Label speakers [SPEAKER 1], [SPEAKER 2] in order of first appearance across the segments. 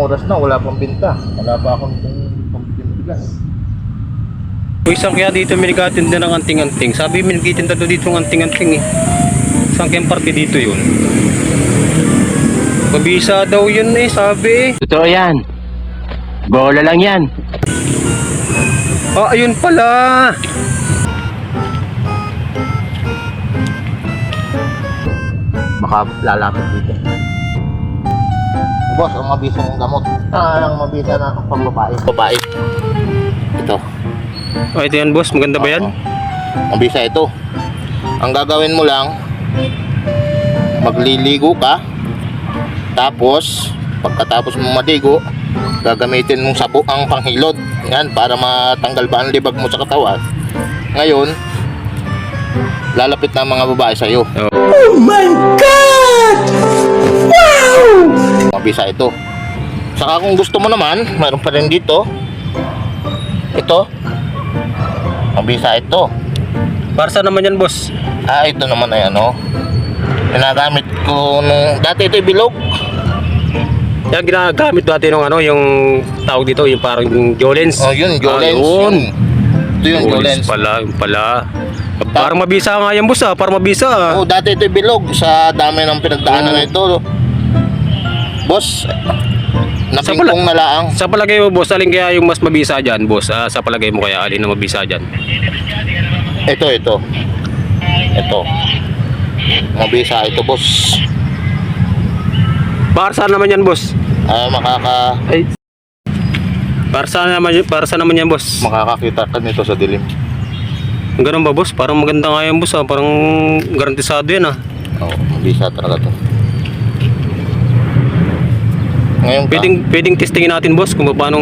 [SPEAKER 1] oras na, wala pang binta. Wala pa akong pagbibigan.
[SPEAKER 2] Isang kaya dito may nagatinda ng anting-anting. Sabi may nagtitinda to dito ng anting-anting eh. Isang kayang parte dito yun. Mabisa daw yun eh, sabi.
[SPEAKER 3] Totoo yan. Bola lang yan.
[SPEAKER 2] Ah, ayun pala.
[SPEAKER 1] Baka lalapit dito. Boss, ang mabisa ng gamot. Ang mabisa na pangbabae. Babae. Ito.
[SPEAKER 2] Oh, ito yan boss, maganda ba yan?
[SPEAKER 1] Mabisa ito. Ang gagawin mo lang, magliligo ka. Tapos, pagkatapos mo maligo, gagamitin mong sabo ang panghilod. Yan, para matanggal ba ang libag mo sa katawan. Ngayon, lalapit na ang mga babae sa'yo.
[SPEAKER 3] Oh my God! Wow!
[SPEAKER 1] Mabisa ito. Saka kung gusto mo naman, mayroon pa rin dito. Ito. Mabisa ito.
[SPEAKER 2] Para saan naman yan boss?
[SPEAKER 1] Ito naman ay ano. Ginagamit ko nung dati ito bilog.
[SPEAKER 2] Yan ginagamit dati nung ano, yung tawag dito, yung parang Jolens.
[SPEAKER 1] Oh, yun, Jolens.
[SPEAKER 2] Yun.
[SPEAKER 1] Ito yung Jolens.
[SPEAKER 2] Pala, yung pala. Parang mabisa nga yan boss ah, parang mabisa ah.
[SPEAKER 1] Oh, dati ito bilog sa dami ng pinagdaanan nito. Boss, napingkong na laang.
[SPEAKER 2] Sa palagay mo boss, alin kaya yung mas mabisa dyan boss? Sa palagay mo kaya alin na mabisa dyan?
[SPEAKER 1] Ito. Ito. Mabisa ito, boss.
[SPEAKER 2] Para saan naman yan boss? Para saan naman yan boss?
[SPEAKER 1] Makakakita ka nito sa dilim.
[SPEAKER 2] Ganun ba boss? Parang maganda nga yan boss ah. Parang garantisado yan ah.
[SPEAKER 1] Oo, mabisa talaga to. Ngayon
[SPEAKER 2] Pwedeng testingin natin boss kung paano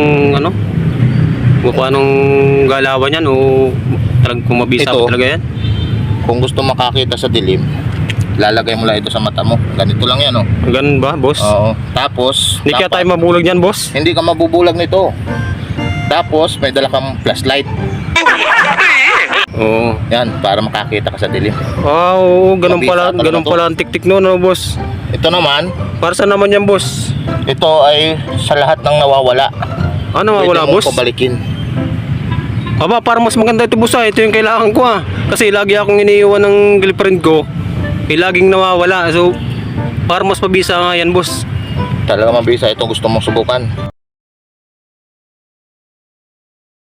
[SPEAKER 2] galawan yan o kung mabisa ba talaga yan.
[SPEAKER 1] Kung gusto makakita sa dilim, lalagay mo lang ito sa mata mo. Ganito lang yan, oh.
[SPEAKER 2] Ganun ba boss?
[SPEAKER 1] Oo. Tapos,
[SPEAKER 2] Hindi kaya tayo mabulag yan boss?
[SPEAKER 1] hindi ka mabubulag nito. Tapos, may dala kang flashlight.
[SPEAKER 2] Oo.
[SPEAKER 1] Yan, para makakita ka sa dilim.
[SPEAKER 2] Oo, ganun
[SPEAKER 1] Mabisa
[SPEAKER 2] pala,
[SPEAKER 1] talaga
[SPEAKER 2] ganun
[SPEAKER 1] to.
[SPEAKER 2] pala ang tiktik no, no boss?
[SPEAKER 1] Ito naman,
[SPEAKER 2] Para saan naman yan boss?
[SPEAKER 1] ito ay sa lahat ng nawawala.
[SPEAKER 2] Ano mawala
[SPEAKER 1] Pwede mong
[SPEAKER 2] boss?
[SPEAKER 1] pabalikin.
[SPEAKER 2] Aba, parang mas maganda ito boss ah. Ito yung kailangan ko ah. Kasi lagi akong iniiwan ng girlfriend ko. Laging nawawala. So, parang mas mabisa nga yan boss.
[SPEAKER 1] Talaga mabisa ito, gusto mong subukan.